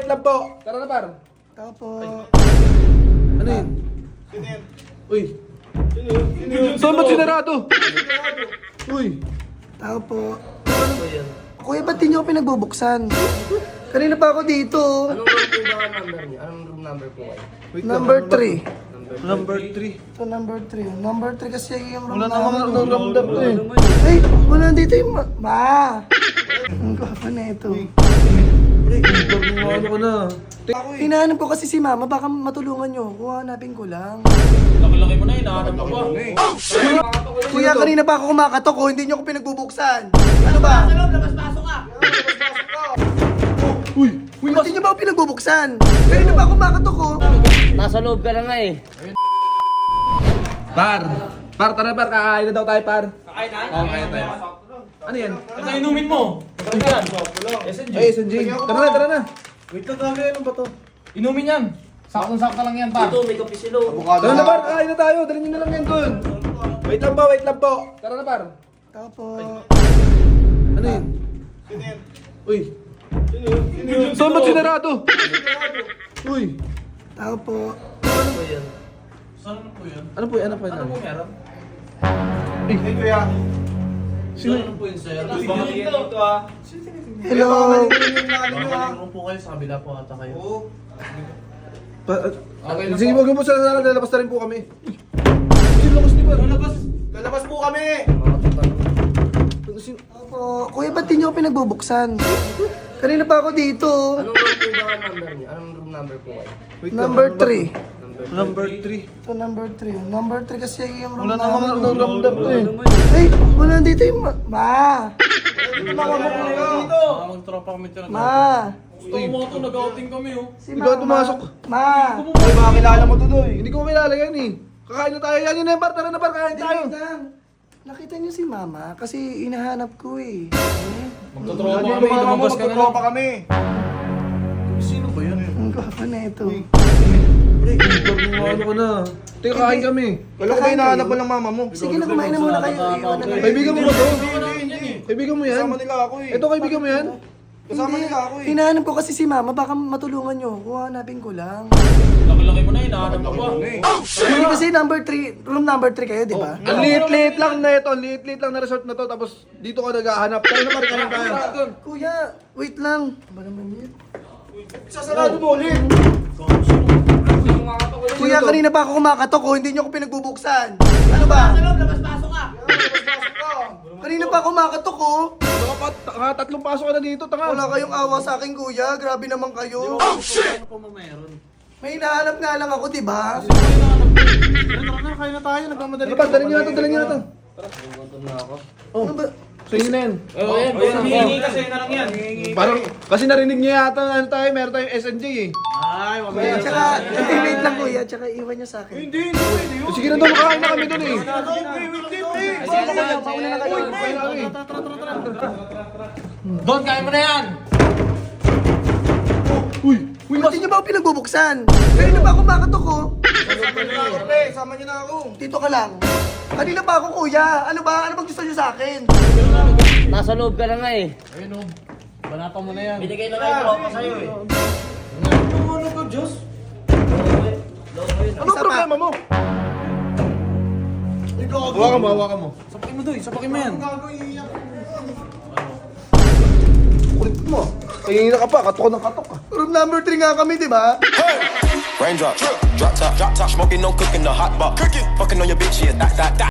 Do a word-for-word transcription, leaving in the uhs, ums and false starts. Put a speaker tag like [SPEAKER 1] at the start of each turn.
[SPEAKER 1] wait lang po. Tara na, par.
[SPEAKER 2] Tao po.
[SPEAKER 1] Ano yun? Uy. Saan ba't sinarado? Uy.
[SPEAKER 2] Tao po. Kuya, ba't di niyo ako pinagbubuksan? Kanina pa ako dito.
[SPEAKER 3] Anong room po ba ang number niyo? Anong room number po kayo?
[SPEAKER 1] Wait
[SPEAKER 2] Number
[SPEAKER 1] lang.
[SPEAKER 2] three.
[SPEAKER 1] Number three.
[SPEAKER 2] Ito, number three. Number three kasi yung room
[SPEAKER 1] Wala namang
[SPEAKER 2] namin.
[SPEAKER 1] ramdam ko eh.
[SPEAKER 2] Ay, wala dito yung ma... Ma! Ang gwapo na ito.
[SPEAKER 1] Ano ko na?
[SPEAKER 2] Hinahanap ko kasi si mama, baka matulungan nyo. Kuha, hanapin ko lang.
[SPEAKER 4] Laki-laki mo na, hinahanap ako.
[SPEAKER 2] Kuya, kanina pa ako kumakatok ko, hindi nyo ako pinagbubuksan. Ano ba?
[SPEAKER 4] Sa loob, labas-pasok ka!
[SPEAKER 1] Uy.
[SPEAKER 2] Uy, ba't di nyo ba ako pinagbubuksan? Kanina pa ako kumakatok ko.
[SPEAKER 3] Nasa loob ka na nga eh.
[SPEAKER 1] Par. Par, tara par. Kakain na daw tayo, par.
[SPEAKER 4] Kakain na?
[SPEAKER 1] Oo, kakain tayo. Ano yan?
[SPEAKER 4] Ito inumin mo. Ano yan? S N G.
[SPEAKER 1] Ay, S N G. Tara na, tara na.
[SPEAKER 4] Wait lang talaga, ano ba to? Inumin yan. Saktong-sakto lang yan, pa.
[SPEAKER 3] Ito, may kape sila.
[SPEAKER 1] Tara na, par. Kakain na tayo. Dalhin nyo na lang yan dun. Wait lang po, wait lang po. Tara na, par.
[SPEAKER 2] Tao po.
[SPEAKER 1] Ano yun? Uy. Saan ba't sinarado? Uy.
[SPEAKER 2] Tao po.
[SPEAKER 4] Saan ano po yan?
[SPEAKER 1] Ano po yan? Ano po yan?
[SPEAKER 4] Ano po meron?
[SPEAKER 1] Eh, kuya.
[SPEAKER 4] Sino ano po yun, sir? Dito ah.
[SPEAKER 2] Hello.
[SPEAKER 4] Baka room po kayo, sa kabila po ata kayo.
[SPEAKER 1] Pa-
[SPEAKER 4] Okay na
[SPEAKER 1] Sige,
[SPEAKER 4] po.
[SPEAKER 1] wag mo sa sala. Lalabas na rin po kami. Sino labas di ba?
[SPEAKER 4] Lalabas.
[SPEAKER 1] Lalabas po kami! Sino?
[SPEAKER 2] Tao po. Kuya, ba't di nyo ako pinagbubuksan? Kanina pa ako dito.
[SPEAKER 3] Anong room po ba ang number niyo? Anong room number po kayo?
[SPEAKER 1] Wait lang,
[SPEAKER 2] Number
[SPEAKER 1] ano ba?
[SPEAKER 2] three.
[SPEAKER 1] Number three.
[SPEAKER 2] Ito, number three. Number three kasi yung room
[SPEAKER 1] Wala namang
[SPEAKER 2] namin.
[SPEAKER 1] ramdam ko eh.
[SPEAKER 2] Ay, wala dito yung ma... Ma!
[SPEAKER 4] Dito. Magtropa kami tira.
[SPEAKER 2] Ma!
[SPEAKER 4] Gusto mo ito, nag-outing kami oh.
[SPEAKER 2] Si
[SPEAKER 1] Ikaw
[SPEAKER 2] mama.
[SPEAKER 1] pumasok.
[SPEAKER 2] Ma!
[SPEAKER 1] Ay, baka kilala mo to doy. Hindi ko kilala yan eh. Kakain na tayo. Yan yun na yung par. Tara na par. Kakain tayo.
[SPEAKER 2] Wait lang. Nakita niyo si mama kasi hinahanap ko eh.
[SPEAKER 4] Magtotropa kami, lumabas ka na lang.
[SPEAKER 1] kami.
[SPEAKER 4] Sino ba yan?
[SPEAKER 2] Ang gwapo na ito.
[SPEAKER 1] Ano ko na? Teka, kakain kami.
[SPEAKER 2] Wala ko ba hinahanap mo
[SPEAKER 1] ng mama mo?
[SPEAKER 2] Sige na, kumain na muna kayo. Iwan na lang.
[SPEAKER 1] Kaibigan mo ba to? Kaibigan mo yan?
[SPEAKER 5] Kasama nila ako eh.
[SPEAKER 1] Ito kaibigan mo yan?
[SPEAKER 5] Kasama nila ako eh.
[SPEAKER 2] Hinahanap ko kasi si mama, baka matulungan nyo. Kuha, hanapin ko lang.
[SPEAKER 4] Laki-laki mo na, hinahanap ako.
[SPEAKER 2] Hindi kasi number three, room number three kayo, di ba?
[SPEAKER 1] Ang liit-liit lang na ito. Ang liit-liit lang na resort na to. Tapos dito ka naghahanap. Pero naman kayo tayo.
[SPEAKER 2] Kuya, wait lang. Ba naman yun?
[SPEAKER 5] Sasarado mo ulit.
[SPEAKER 2] Kuya, kanina pa ako kumakatok ko, hindi nyo ako pinagbubuksan. Ano ba?
[SPEAKER 4] Sa loob, labas-pasok ka!
[SPEAKER 2] Kanina pa ako kumakatok ko.
[SPEAKER 1] Baka pa, tanga, tatlong pasok ka na dito. Tanga.
[SPEAKER 2] Wala kayong awa sa akin, kuya. Grabe naman kayo.
[SPEAKER 4] Ano pa mo meron?
[SPEAKER 2] May hinahanap nga lang ako, di ba?
[SPEAKER 4] Tara na, kaya na tayo, nagmamadali.
[SPEAKER 1] Ano pa? Dalhin nyo na to. Dalhin nyo na to.
[SPEAKER 3] Gutom na ako.
[SPEAKER 1] Oh,
[SPEAKER 2] Ano ba?
[SPEAKER 1] so yun na yan.
[SPEAKER 4] Oh, ayan, basta hihingi kasi na lang yan.
[SPEAKER 1] Parang, kasi narinig niyo yata ano tayo, meron tayong S N J eh.
[SPEAKER 4] Ay, wag
[SPEAKER 2] Kuya, tsaka, hindi, wait lang kuya. Tsaka iwan nyo sa akin.
[SPEAKER 5] Hindi, hindi pwede yun.
[SPEAKER 1] Sige na doon, makain na kami doon eh.
[SPEAKER 5] Okay, hindi, pre.
[SPEAKER 2] Sige na kayo, pauna na kayo.
[SPEAKER 1] Kain na kami.
[SPEAKER 4] Don, kaya mo na yan!
[SPEAKER 1] Uy!
[SPEAKER 2] Uy, ba't di nyo ba ako pinagbubuksan? Kanina pa ako kumakatok ko.
[SPEAKER 5] Sama nyo na ako, pre. Sama nyo na ako.
[SPEAKER 2] Dito ka lang. Kanina pa ako, kuya. Ano ba? Ano bang gusto nyo sa akin?
[SPEAKER 3] Nasa loob ka na nga eh.
[SPEAKER 4] Ayun oh, banata mo na yan.
[SPEAKER 3] Binigay na lang yung tropa sa'yo eh.
[SPEAKER 4] Ano ka, Diyos?
[SPEAKER 1] Ano problema mo? Hawakan mo, hawakan mo.
[SPEAKER 4] Sapakin mo doy, sapakin mo yan.
[SPEAKER 1] Kulit mo. Kaya ka pa, katok ng katok ka.
[SPEAKER 2] Room number three nga kami, di ba?
[SPEAKER 6] Raindrop, drop top, drop top, smoking, no cooking, the hot pot. Cooking, fucking on your bitch, yeah, that, that, that.